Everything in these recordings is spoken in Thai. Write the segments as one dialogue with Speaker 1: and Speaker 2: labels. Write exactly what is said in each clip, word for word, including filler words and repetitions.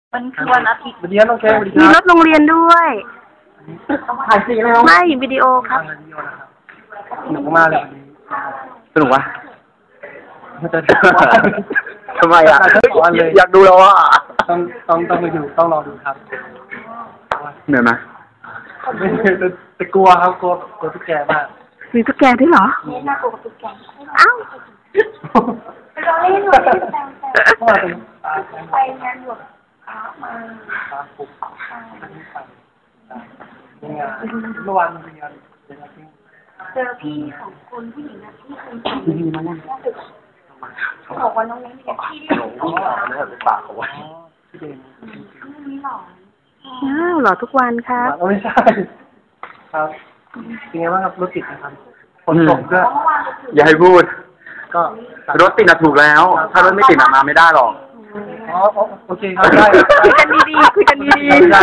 Speaker 1: มันคือวันอาทิตย์
Speaker 2: วันนี้น้องแก้วมี
Speaker 3: รถโรงเรียนด้วย
Speaker 2: ถ่ายจริงไหมครับ
Speaker 3: ไม่วิดีโอครับ
Speaker 2: สนุกมากเลยสนุกวะทำไมอ่ะอยากดูแล้วอ่ะต้องต้องต้องไปดูต้องรอดูครับเหนื่อยไหมแต่กลัวครับกลัวกลัวตุ๊กแกมาก
Speaker 3: มีตุ๊กแกด้วยเหรอ
Speaker 1: นี่น่ากลัวตุ๊กแก
Speaker 3: อ้าว
Speaker 1: เราเล่นเราเล่นแต่ไปงานหยวกมา
Speaker 2: เมื่อวานเป็นงาน
Speaker 1: เจอพี่สองคนผู้หญิงนะที่คุณพี่มานั่งบอกว่าน้องเล้งเนี่ยพี่ที่หลงพี่หลงเนี่ยเป็นปากเขาไว้พี่เด่นไม่หลง
Speaker 3: อ้าวหล่อทุกวันครับ
Speaker 2: ไม่ใช่ครับเป็นไงบ้างครับรถติดนะครับฝนตกด้วยอย่าให้พูดก็รถติดน่ะถูกแล้วถ้ารถไม่ติดน่ะมาไม่ได้หรอกอ๋อโอเคครับได้
Speaker 3: คุยกันดีๆคุยกันดี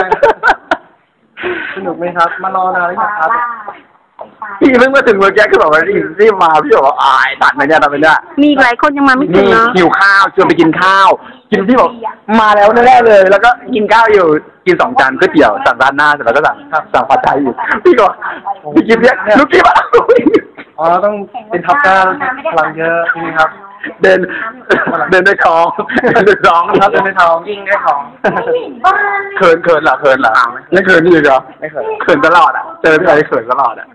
Speaker 2: ๆสนุกไหมครับมารอนานหรือยังครับ
Speaker 4: พี่เพิ่งมาถึงเมื่อกี้คือแบบว่ารีบมาพี่บอกว่าอายตัดไปเนี่ยตัดไปเนี่ย
Speaker 3: มีหลายคนยังมาไม่ถึงเนาะ
Speaker 4: หิวข้าวชวนไปกินข้าวกินพี่บอกมาแล้วแน่ๆเลยแล้วก็กินข้าวอยู่กินสองจานก๋วยเตี๋ยวสั่งร้านหน้าเสร็จแล้วก็สั่งสั่งผัดไทยอยู่พี่ก็พี่กินเนี่ยลูกกี้มา
Speaker 2: อ๋อต้องเป็นทับก้าพลังเยอะนี่ครับ
Speaker 4: เดินเดินด้วยท้องเดินด้วยท้อง
Speaker 2: ครับเดินด้วยท้องยิงด้วยท้อง
Speaker 4: เขินเขินเหรอเขินเหรอไม่เขินนี่เหรอไม่เขินเขินตลอดอ่ะเจอพี่อะไรเขินตลอดอ่ะ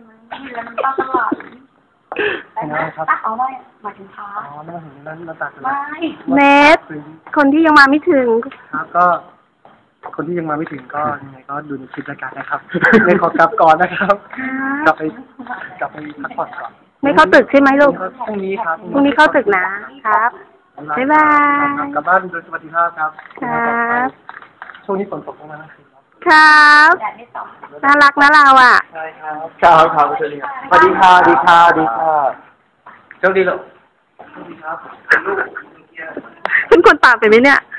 Speaker 1: ครับเอาไว้มาถึงท้า
Speaker 2: อ๋อไม่ถึงนั้นมาตัด
Speaker 1: ไม่
Speaker 3: เนทคนที่ยังมาไม่ถึง
Speaker 2: ครับก็คนที่ยังมาไม่ถึงก็ยังไงก็ดูในคลิปรายการนะครับไม่ขอกลับก่อนนะครับกลับไปกลับไปพักผ่อนก่อน
Speaker 3: ไม่เข้าตึกใช่ไหมลูก
Speaker 2: พรุ่งนี้ครับ
Speaker 3: พรุ่งนี้เข้าตึกนะครับบ๊ายบาย
Speaker 2: กลับบ้านโดยสวัสดิภาพครับ
Speaker 3: ครับ
Speaker 2: ช่วงนี้ฝนตกมากนะครับ
Speaker 3: ครับน่ารักนะเราอ่ะ
Speaker 2: ใช่ครับครับครับสวัสดีครับสวัสดีค่ะดีค่ะดีค่ะโชคดีลูกสวัสดีครับ
Speaker 3: เป็นคนตามไปไหมเนี่ย